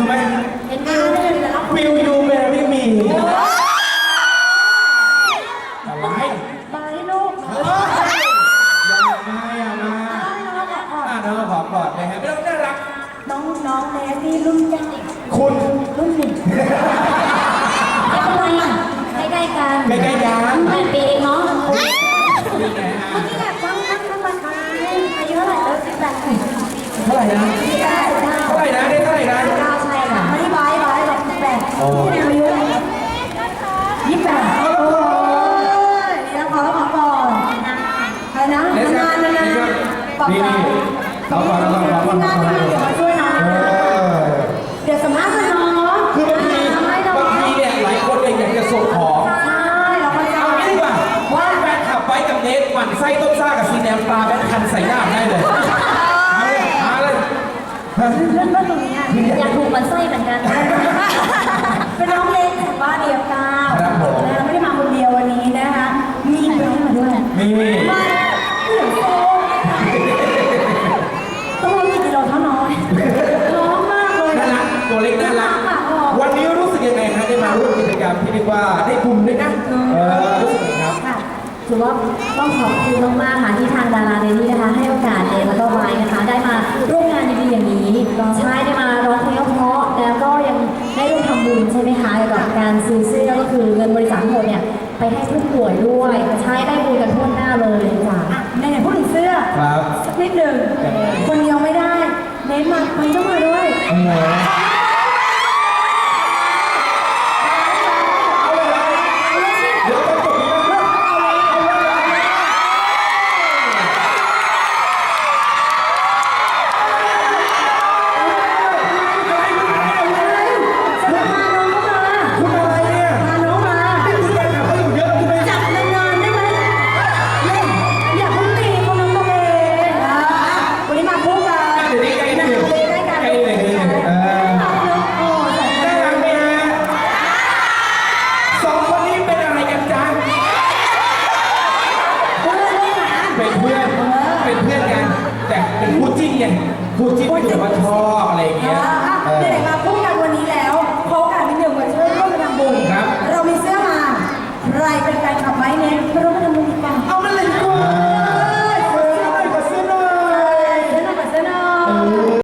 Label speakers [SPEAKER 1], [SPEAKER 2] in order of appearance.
[SPEAKER 1] ไหม
[SPEAKER 2] เห็นวิวได้เลยแล้ว
[SPEAKER 1] Will you marry me อะไร
[SPEAKER 2] บายลูก
[SPEAKER 1] อย่ามาน้องขอกอดนะฮะไม่ต้องน่ารัก
[SPEAKER 2] น้องแนสนี่รุ่นยัง
[SPEAKER 1] คุณ
[SPEAKER 2] รุ่นหนึ่งทำไมอ่ะใกล้ๆกัน
[SPEAKER 1] ใกล้ๆกัน
[SPEAKER 2] 8 ปีเองเนาะ
[SPEAKER 1] นี่ไงฮะ
[SPEAKER 2] เมื่อกี้แบบตั้งมาทายอายุเท่าไหร่แล้ว18
[SPEAKER 1] เท่าไหร่นะ
[SPEAKER 2] 19
[SPEAKER 1] เท่าไหร่นะได้เท่าไหร่นะ
[SPEAKER 2] 9ใช่ค่ะไม่ได้บายแบบ18
[SPEAKER 1] โอ้
[SPEAKER 2] ที่อายุอะไร28โอ้ยนี่นะขอก่อนใครนะนานบอก
[SPEAKER 1] นี่
[SPEAKER 2] ไป
[SPEAKER 1] เอาก่อนเอาก่อนเอาก่อน
[SPEAKER 2] งานที่มาเดี๋ยวมาช่วยน้องเดี๋ยวสำนักกันน้อง
[SPEAKER 1] คือบางทีเนี่ยหลายคนอยากจะส่งของ
[SPEAKER 2] ใช่เราก็จะ
[SPEAKER 1] เอางี้ดีกว่าว่าแฟนขับไว้กับเนสหมั่นไส้ต้มซ่ากับซีแนมปลาแบนคันใส่หน้าได้เลยมาเลย
[SPEAKER 2] เรื่องตรงนี้อยากถูกมันไส้เหมือนกันเป็นน้องเล็กแต่ว่าเดียวก้าวไม่ได้มาคนเดียววันนี้นะคะมีน้องมาด้วย
[SPEAKER 1] มี
[SPEAKER 2] มาเหลือโซ่ต้องรู้กี่กิโลเท่าน้อยน้องมากเลย
[SPEAKER 1] น่ารักตัวเล็กน่ารักวันนี้รู้สึกยังไงฮะได้มาร่วมกิจกรรมที่เรียกว่าได้บุญด้วยนะรู้สึกยังไงครับ
[SPEAKER 2] ค่ะถือว่าต้องขอบคุณมากๆค่ะที่ทางดาราเดลี่นะคะให้โอกาสเดนแล้วก็ไว้นะคะได้มาร่วมงานดีๆอย่างนี้ใช่ได้มาร้องเพลงเพราะแล้วก็ยังได้ร่วมทำบุญใช่ไหมคะเกี่ยวกับการซื้อเสื้อก็คือเงินบริจาคทั้งหมดเนี่ยไปให้ผู้ป่วยด้วยใช้ได้บุญกันทั่วหน้าเลยจ้ะไหนๆพูดถึงเสื้อ
[SPEAKER 1] ครับ
[SPEAKER 2] สักนิดหนึ่งคนเดียวไม่ได้เน้นมาไปต้องมาด้วย
[SPEAKER 1] โอ้โหเดี๋ยวต้องจบนะ คุณอะไรเนี่ยนี่คุณแฟนคลับเขาอยู่เยอะใช่ไหม
[SPEAKER 2] จับนานๆได้ไหมอย่าเพิ่งตีคนน้องตัวเองวันนี้มาคู่กัน
[SPEAKER 1] เดี๋ยวนี้ใกล้หนึ่งใกล้หนึ่งน่ารักไหมฮะสองคนนี้เป็นอะไรกันจ๊ะเป็นเพื่อนกันแต่เป็นคู่จิ้นไงคู่จิ้นที่แบบว่าชอบอะไรอย่างเงี้ย
[SPEAKER 2] เด็กมา